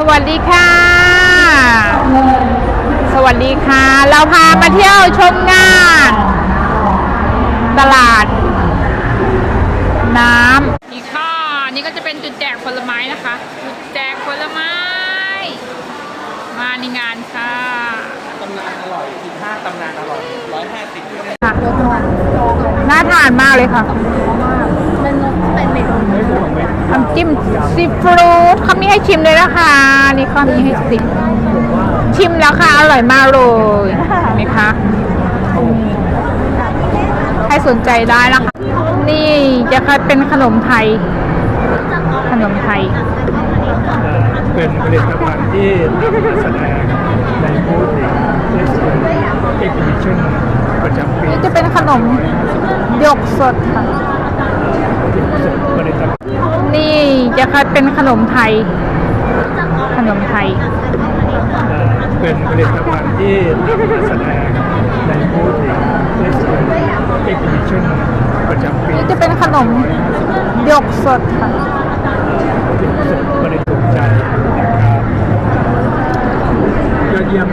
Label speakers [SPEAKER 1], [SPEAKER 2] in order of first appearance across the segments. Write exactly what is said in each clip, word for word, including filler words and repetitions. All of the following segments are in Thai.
[SPEAKER 1] วัสดีค่ะสวัสดีค่ะเราพามาเที่ยวชมงานตลาดน้ำอีกข้อนี่ก็จะเป็นจุดแจกผลไม้นะคะจุดแจกผลไม้มาในงานค่ะ
[SPEAKER 2] ตำนานอร่อยสิบห้าตำนานอร่อยร้อยห้าสิบ
[SPEAKER 1] น่าทานมากเลยค่ะ
[SPEAKER 3] เป็นเป็นเมนู
[SPEAKER 1] น้ำจิ้มซีฟู้ดเขามีให้ชิมเลยนะคะนี่เขามีให้ชิมชิมแล้วค่ะอร่อยมากเลยเห็นไหมคะให้สนใจได้นะคะนี่จะเป็นขนมไทยขนมไทย
[SPEAKER 2] เป็นผลิตภัณฑ์ที่นำมาแสดงในบูธเทสโก้เอ็กซิบิชันประจำปี
[SPEAKER 1] นี่จะเป็นขนมหยกสดค่ะ
[SPEAKER 2] ผลิตภัณฑ์
[SPEAKER 1] นี่จะเป็นขนมไทยขนมไทย
[SPEAKER 2] เป็นผลิตภัณฑ์ที่นำมาแสดงในบูธเทสโก้เอ็กซิบิชันประจำปี
[SPEAKER 1] นี่จะเป็นขนมหยกสดค่ะ
[SPEAKER 2] บริสุทธิ์ใจนะครับยอดเยี่ยม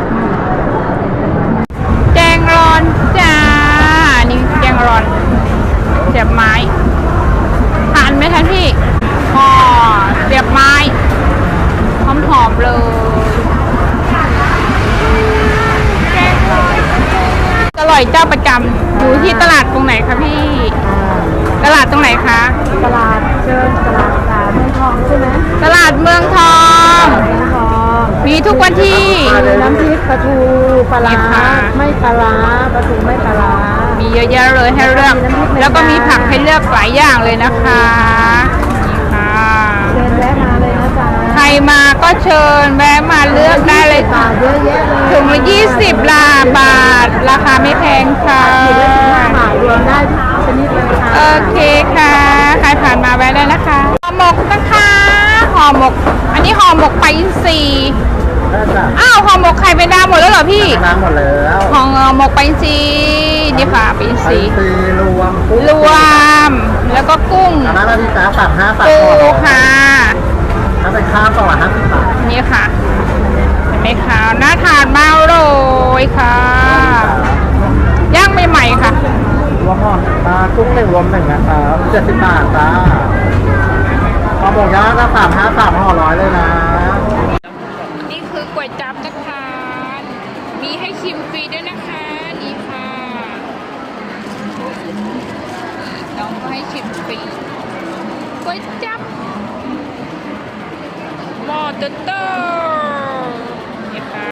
[SPEAKER 1] แจงรอนจ้านี่แจงรอนเสียบไม้ทานไหมคะพี่อ๋อเสียบไม้หอมหอมเลยแจงรอนอร่อยเจ้าประจำอยู่ที่ตลาดตรงไหนคะพี่ตลาดตรงไหนคะ
[SPEAKER 3] ตลาดเชิญตลาดสาเมืองทองใช่ไหม
[SPEAKER 1] ตลาดเมืองทอง
[SPEAKER 3] เมืองทอง
[SPEAKER 1] มีทุกวันที่
[SPEAKER 3] น้ำพริกปลาทูปลาไม่ปลาปลาทูไม่ปลา
[SPEAKER 1] มีเยอะแยะเลยให้เลือกแล้วก็มีผักให้เลือกหลายอย่างเลยนะคะนี่ค่ะ
[SPEAKER 3] เชิญแวะมาเลยนะจ๊ะ
[SPEAKER 1] ใครมาก็เชิญแวะมาเลือกได้เลยค่ะ
[SPEAKER 3] เยอะแยะเลย
[SPEAKER 1] ถุงละยี่สิบลาบาทราคาไม่แพงค่ะ
[SPEAKER 3] รวมได้ชนิดเลยค่ะ
[SPEAKER 1] โอเคค่ะใครผ่านมาแวะได้นะคะห่อหมกนะคะห่อหมกอันนี้ห่อหมกปลาอินทรีอ้าวห่อหมกไข่เป็นดาวหมดแล้วเหรอพี่
[SPEAKER 2] น้ำหมดแล้ว
[SPEAKER 1] ห่อหมกปลาอินทรีนี่ค่ะปลาอินทรี
[SPEAKER 2] รวม
[SPEAKER 1] รวมแล้วก็กุ้ง
[SPEAKER 2] อันนั้นพี่จ๋าฝากห้าฝาก
[SPEAKER 1] ปูค่ะ
[SPEAKER 2] ถ้าเป็นข้าวก็ห้าสิบบาท
[SPEAKER 1] นี่ค่ะเห็นไหมคะน่าทานมากเลยค่ะย่างใหม่ๆค่ะ
[SPEAKER 2] รวมห่อปลากุ้งหนึ่งรวมหนึ่งนะครับเจ็ดสิบบาทจ้าพอบอกย่างก็สามห้าสามห่อร้อยเลยนะ
[SPEAKER 1] นี่คือก๋วยจั๊บนะคะมีให้ชิมฟรีด้วยนะคะนี่ค่ะน้องก็ให้ชิมฟรีก๋วยจั๊บหม้อเตอร์